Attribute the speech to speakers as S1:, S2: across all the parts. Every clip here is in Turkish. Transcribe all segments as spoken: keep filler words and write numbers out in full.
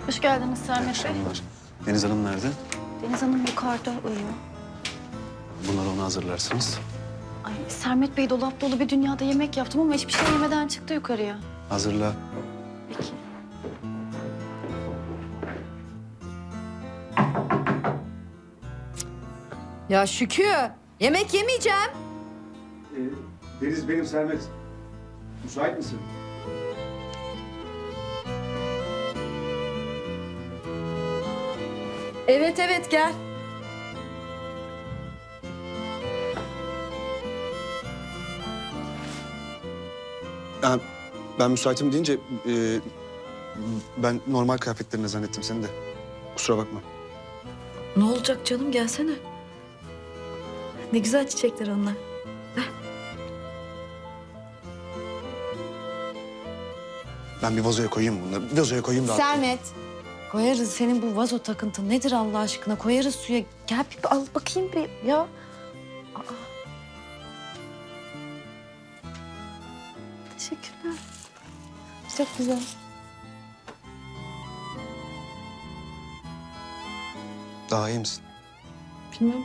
S1: Hoş geldiniz Sermet Bey.
S2: Akşamlar. Deniz Hanım nerede?
S1: Deniz Hanım yukarıda uyuyor.
S2: Bunları ona hazırlarsınız.
S1: Ay Sermet Bey dolap dolu bir dünyada yemek yaptım ama hiçbir şey yemeden çıktı yukarıya.
S2: Hazırla.
S1: Peki.
S3: Ya Şükrü, yemek yemeyeceğim.
S4: Ee, Deniz benim Sermet. Müsait misin?
S3: Evet evet gel.
S2: Ben, ben müsaitim deyince e, ben normal kıyafetlerini zannettim seni de. Kusura bakma.
S3: Ne olacak canım gelsene. Ne güzel çiçekler onlar.
S2: Ben bir vazoya koyayım bunları. Bir vazoya koyayım da.
S3: Sermet. Koyarız senin bu vazo takıntın nedir Allah aşkına? Koyarız suya. Gel bir al bakayım bir ya. Aa. Teşekkürler. Çok güzel.
S2: Daha iyi misin?
S3: Bilmem.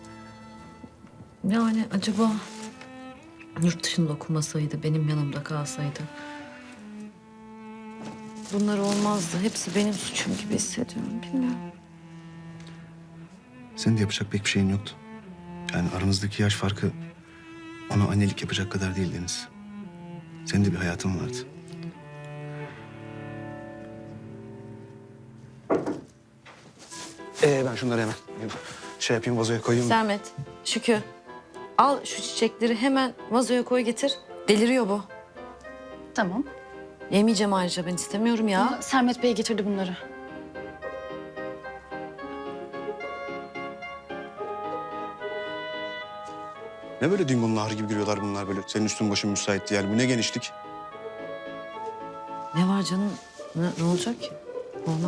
S3: Yani acaba yurt dışında okumasaydı, benim yanımda kalsaydı. Bunlar olmazdı. Hepsi benim suçum gibi hissediyorum. Bilmiyorum.
S2: Senin de yapacak pek bir şeyin yoktu. Yani aranızdaki yaş farkı ona annelik yapacak kadar değil Deniz. Senin de bir hayatın vardı. Ee, ben şunları hemen şey yapayım, vazoya koyayım.
S3: Sermet, Şükrü. Al şu çiçekleri hemen vazoya koy getir. Deliriyor bu.
S1: Tamam.
S3: Yemeyeceğim ayrıca ben istemiyorum ya.
S1: Ama Sermet Bey getirdi bunları.
S2: Ne böyle dingonun ahırı gibi giriyorlar bunlar böyle. Senin üstün başın müsaitti yani. Bu ne genişlik?
S3: Ne var canım? Ne, ne olacak ki? Normal.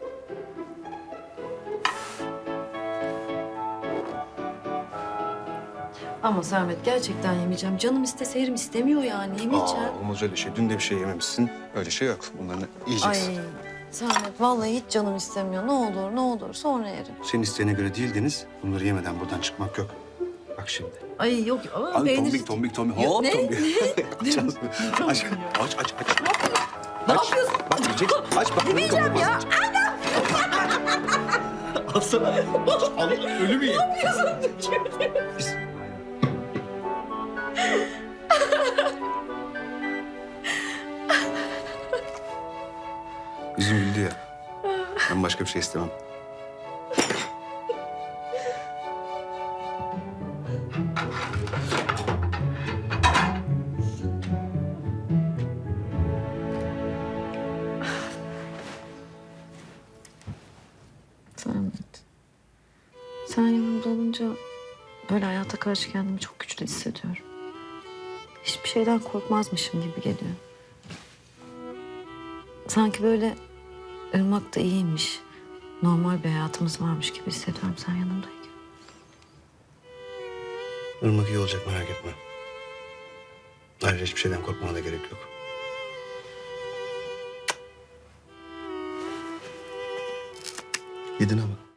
S3: Ama Sermet gerçekten yemeyeceğim. Canım istese yerim istemiyor yani. Yemeyeceğim.
S2: Aa, olmaz öyle şey. Dün de bir şey yememişsin. Öyle şey yok. Bunları
S3: Ay
S2: yiyeceksin.
S3: Sermet vallahi hiç canım istemiyor. Ne olur ne olur sonra yerim.
S2: Senin isteğine göre değil Deniz. Bunları yemeden buradan çıkmak yok. Bak şimdi.
S3: Ay yok ama
S2: Abi
S3: peynir...
S2: tombik tombik tombik.
S3: Yok,
S2: Hop
S3: ne?
S2: tombik. Açacağız mı? Aç aç aç aç.
S3: Ne
S2: Aç.
S3: yapıyorsun?
S2: Bak yiyecek. Aç bak.
S3: Yemeyeceğim ya.
S2: Alsana. Al. Ölü mü ye? Yüzüm güldü ya. Ben başka bir şey istemem.
S3: Sermet. Sen yanımda olunca böyle hayata karşı kendimi çok güçlü hissediyorum. Hiçbir şeyden korkmazmışım gibi geliyor. Sanki böyle Irmak da iyiymiş. Normal bir hayatımız varmış gibi hissediyorum sen yanımdayken.
S2: Irmak iyi olacak merak etme. Ayrıca hiçbir şeyden korkmana da gerek yok. Yedin ama.